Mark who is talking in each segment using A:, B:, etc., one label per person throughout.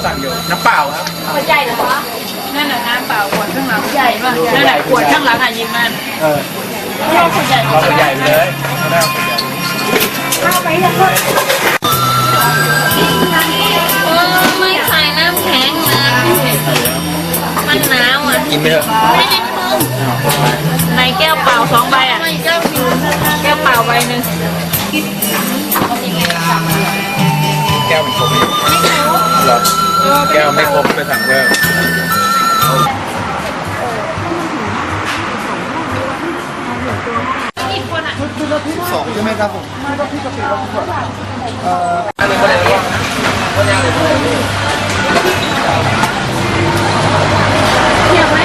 A: สั่งอยู่น้ำเปล่าครับ
B: ขวดใหญ่เหรอคะนั่นแหละน้ำเปล่าขวดข้างหลังใหญ่ป่ะนั่นแหละขวดข้างหลังอ่ะยิงมันเราขวดใหญ่
A: เราขวดใหญ่เลยเขาได้ขวดใหญ่
B: ข้าวไปเลยไม่ใส่น้ำแข็งนะมันหนาวอ่ะ
A: กินไปเถอะ
B: ไม่ได้มึงในแก้วเปล่า2 ใบอ่ะแก้วเปล่าใบหนึ่ง
A: แก้วมันครบไหมหรอแก้วไม่ครบไปสั่งเพิ่ม2ใช่ไหมครับผมอะไรก็ได้บ้างนะก็ยากเลย
B: เทียบไหม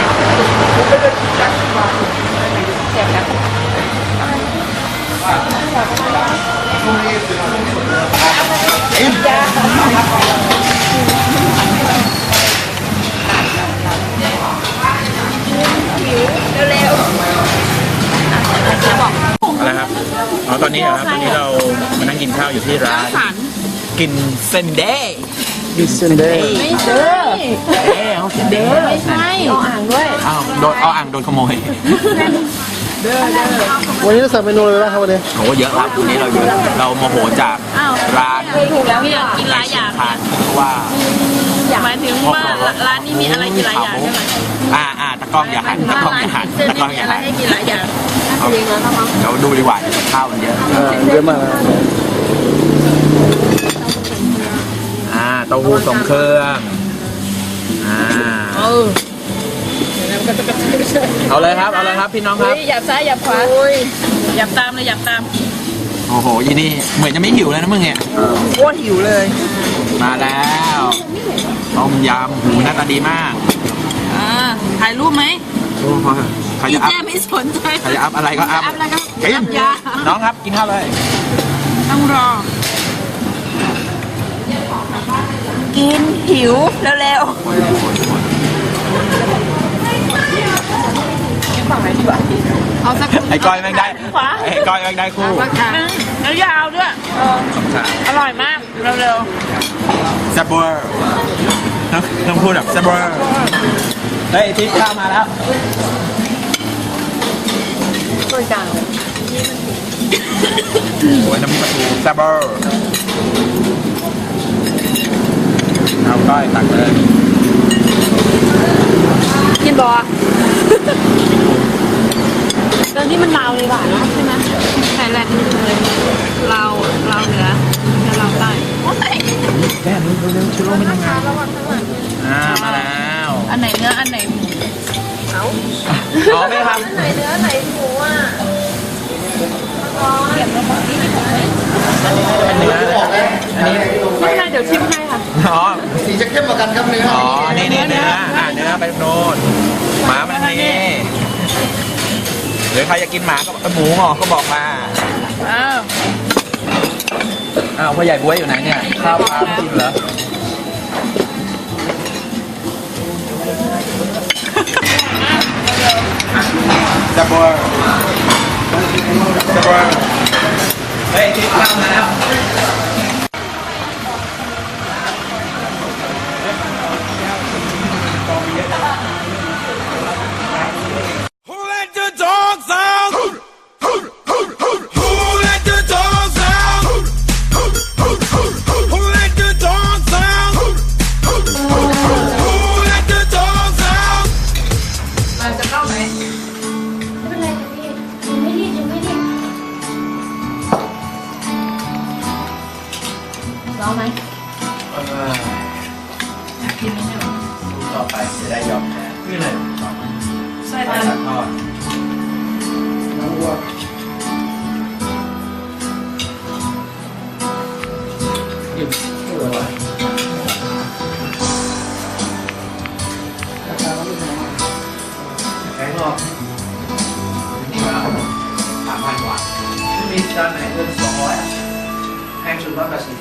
B: เทียบแล้ว
A: อะไรครับอ๋อตอนนี้เหรอครับตอนนี้เรามานั่งกินข้าวอยู่ที่ร้านกินเซนเดย์กินเซนเดย์
B: ไม่ใช่
A: เอาเซนเดย์
B: ไม่ใช่เอาอ่างด้วย
A: อ้าวโดนเอาอ่างโดนขโมย
C: วันนี้เราสั่งเมนูอะไรบ้างครับวันนี้
A: โหเยอะครับวันนี้เราเยอะเราโมโหจากร้าน
B: ถูกแล้วพี่อยากกินหลายอย่าง
A: เพราะว่า
B: หมายถึงว่าร้านนี้มีอะไรกินหลายอย่างใช่ไหม
A: ตะกล้องอย่าหันตะกล้องอย่าหันตะกล้องอย่าหัน
B: ให้กินหลายอย่าง
A: เดี๋ยวดูดีกว่าข้าวมันเยอะ
C: เยอะมาก
A: เต้าหู้ทรงเครื่องเอาเลยครับเอาเลยครับพี่น้องครับ
B: หยับซ้ายหยับขวาหยับตามเลยหยับตาม
A: โอ้โหยี่นี่เหมือนจะไม่หิวเลยนะมึงเนี่ย
B: โคตรหิวเลย
A: มาแล้วต้มยำหูหน้าตาดีมาก
B: ถ่ายรูปไหม
A: ใครจะอัพ
B: ไม่สนใจ
A: ใครจะอัพอะไรก็อัพกินน้องครับกินข้าวเลย
B: ต้องรอกินหิวเร็วๆเอาสัก
A: ไอ้ก้อยแม่งได้ไอ้ก้อยแม่งได้คู่
B: แล้วยาวด้วยอร่อยมากเร็ว
A: ๆแซ่บเวอร์ต้องพูดแบบแซ่บเวอร์เฮ้ยทิพย์ข้าวมาแล้ว
B: ช่วยกัน
A: โอ้ยน้ำปลาทูแซ่บเวอร์เอาก้อยตักเลย
B: กินบอตอนนี้มันลาวเลยหวานนะใช่ไหมไทยแลนด์เลยลาวเหนือแล้วลาวใต้
A: แม่เร็วๆชิโร่ไม่ทำงานมาแล้ว
B: อันไหนเนื้ออันไหนหมู
A: เอาไม่ทำ
B: อันไหนเนื้อไหนหมูอ่ะเก็บแล้วบอกนี่ไม่ถูกไหม
A: อันนี้
B: ไม่ใช่เดี๋ยวชิมให้ค่ะ
C: สีจะเข้มกว่ากันครับเนื้อ
A: นี่เนื้อเนื้อไปโน่นหมามันนี่หรือใครอยากกินหมาก็หมูงอกก็บอกมาพ่อใหญ่บ๊วยอยู่ไหนเนี่ยข้าวปลาไม่กินเหรอจับบัวเฮ้ยทิพย์ข้าวมาแล้ว
B: ร้องไหม
A: กินไหมเนี่ยต่อไปจะได้ยอมแพ้นี่เลย
B: ใส่ตัดทอด
C: น้ำวัว
A: กินไม่ไหว
C: ราคาเราไม่แพงมาก
A: แพงหรอกนี่ว่า3,000 กว่าไม่มีจานไหนเกิน200แพงสุด180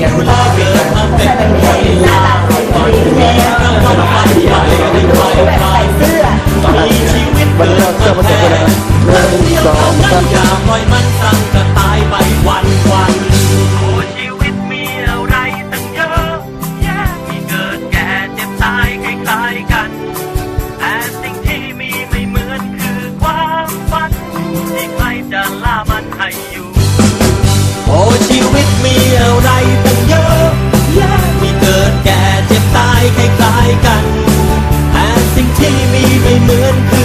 D: เลยเกิดมาเป็นคนลาก่อนมีเราต้องไปใหญ่ไม่ค่อยใครมีชีวิตเกิดมาแพ้เดียวเท่านั้นอย่าปล่อยมันสั่งจะตายไปวันโอ้ชีวิตมีอะไรตั้งเยอะแยะมีเกิดแก่เจ็บตายคล้ายๆกันแต่สิ่งที่มีไม่เหมือนคือความฝันที่ใครจะล่ามันให้อยู่โอ้ชีวิตมีอะไรตั้งเยอะแยะมีเกิดแก่เจ็บตายคล้ายๆกันแต่สิ่งที่มีไม่เหมือนคือ